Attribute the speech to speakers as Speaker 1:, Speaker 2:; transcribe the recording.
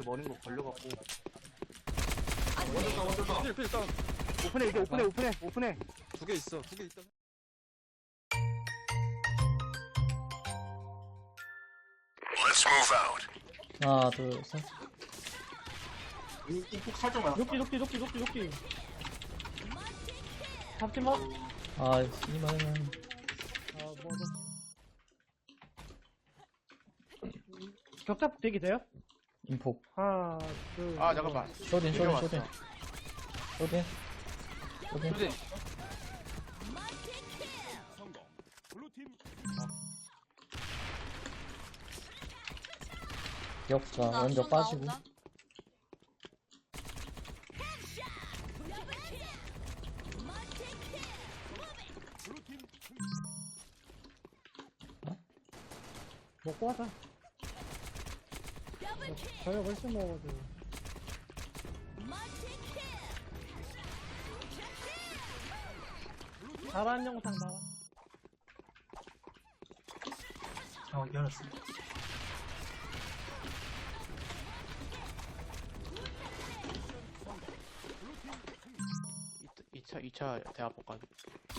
Speaker 1: 머는 거 걸려갖고.
Speaker 2: 원졌다.
Speaker 3: 필 다운.
Speaker 1: 오픈해, 이제 오픈해.
Speaker 3: 두 개 있어. 두 개 있다.
Speaker 4: 하나, 둘, 셋.
Speaker 2: 이폭 살짝 맞았다.
Speaker 5: 녹지. 잡지마.
Speaker 4: 아, 이만하면.
Speaker 5: 격잡 되게 돼요?
Speaker 4: 인폭.
Speaker 5: 하나, 둘.
Speaker 1: 아, 잠깐만.
Speaker 4: 쇼딘. 쇼딘. 기억자, 먼저 빠지고.
Speaker 5: 먹고 하자. 저녁 훨씬 먹어가지고. 잘한 영상 나와.
Speaker 2: 열었어.
Speaker 1: 이차 대학 볼까?